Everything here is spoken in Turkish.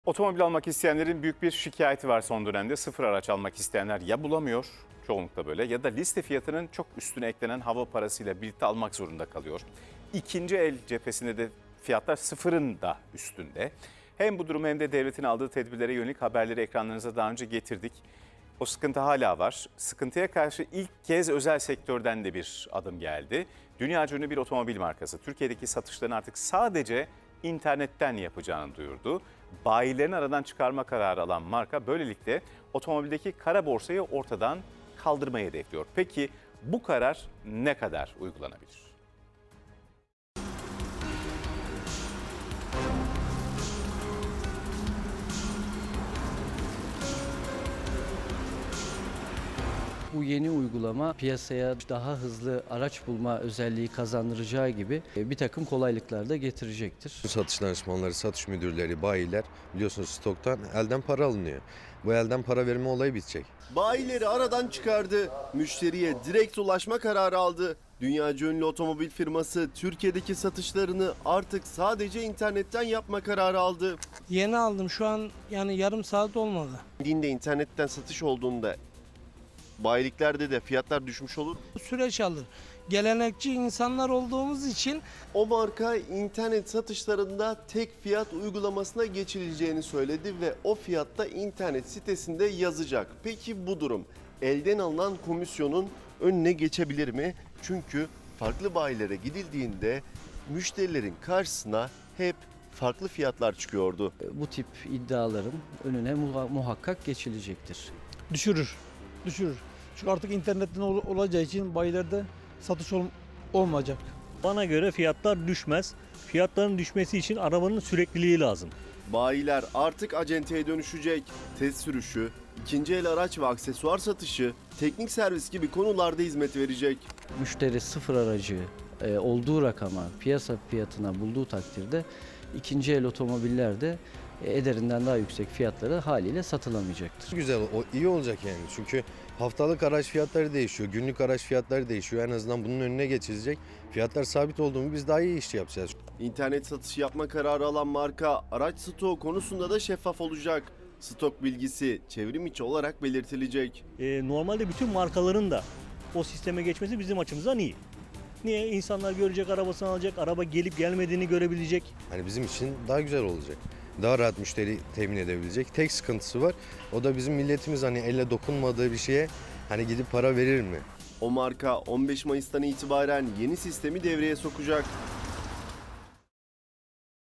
Otomobil almak isteyenlerin büyük bir şikayeti var son dönemde. Sıfır araç almak isteyenler ya bulamıyor, çoğunlukla böyle, ya da liste fiyatının çok üstüne eklenen hava parasıyla birlikte almak zorunda kalıyor. İkinci el cephesinde de fiyatlar sıfırın da üstünde. Hem bu durumu hem de devletin aldığı tedbirlere yönelik haberleri ekranlarınıza daha önce getirdik. O sıkıntı hala var. Sıkıntıya karşı ilk kez özel sektörden de bir adım geldi. Dünyaca ünlü bir otomobil markası Türkiye'deki satışlarını artık sadece internetten yapacağını duyurdu. Bayilerini aradan çıkarma kararı alan marka böylelikle otomobildeki kara borsayı ortadan kaldırmayı hedefliyor. Peki bu karar ne kadar uygulanabilir? Bu yeni uygulama piyasaya daha hızlı araç bulma özelliği kazandıracağı gibi bir takım kolaylıklar da getirecektir. Satış danışmanları, satış müdürleri, bayiler biliyorsunuz stoktan elden para alınıyor. Bu elden para verme olayı bitecek. Bayileri aradan çıkardı, müşteriye direkt ulaşma kararı aldı. Dünyaca ünlü otomobil firması Türkiye'deki satışlarını artık sadece internetten yapma kararı aldı. Yeni aldım şu an, yani yarım saat olmadı. Dinde internetten satış olduğunda bayiliklerde de fiyatlar düşmüş olur. Süreç alır. Gelenekçi insanlar olduğumuz için O marka internet satışlarında tek fiyat uygulamasına geçileceğini söyledi ve o fiyatta internet sitesinde yazacak. Peki bu durum elden alınan komisyonun önüne geçebilir mi? Çünkü farklı bayilere gidildiğinde müşterilerin karşısına hep farklı fiyatlar çıkıyordu. Bu tip iddiaların önüne muhakkak geçilecektir. Düşürür. Çünkü artık internetten olacağı için bayilerde satış olmayacak. Bana göre fiyatlar düşmez. Fiyatların düşmesi için arabanın sürekliliği lazım. Bayiler artık acenteye dönüşecek. Test sürüşü, ikinci el araç ve aksesuar satışı, teknik servis gibi konularda hizmet verecek. Müşteri sıfır aracı olduğu rakama, piyasa fiyatına bulduğu takdirde ikinci el otomobiller de ederinden daha yüksek fiyatlara haliyle satılamayacaktır. Güzel, o iyi olacak yani. Çünkü haftalık araç fiyatları değişiyor, günlük araç fiyatları değişiyor. En azından bunun önüne geçilecek. Fiyatlar sabit olduğunu biz daha iyi iş yapacağız. İnternet satışı yapma kararı alan marka araç stoğu konusunda da şeffaf olacak. Stok bilgisi çevrim içi olarak belirtilecek. Normalde bütün markaların da o sisteme geçmesi bizim açımızdan iyi. Niye? İnsanlar görecek, arabasını alacak, araba gelip gelmediğini görebilecek. Hani bizim için daha güzel olacak. Daha rahat müşteri temin edebilecek. Tek sıkıntısı var. O da bizim milletimiz hani elle dokunmadığı bir şeye hani gidip para verir mi? O marka 15 Mayıs'tan itibaren yeni sistemi devreye sokacak.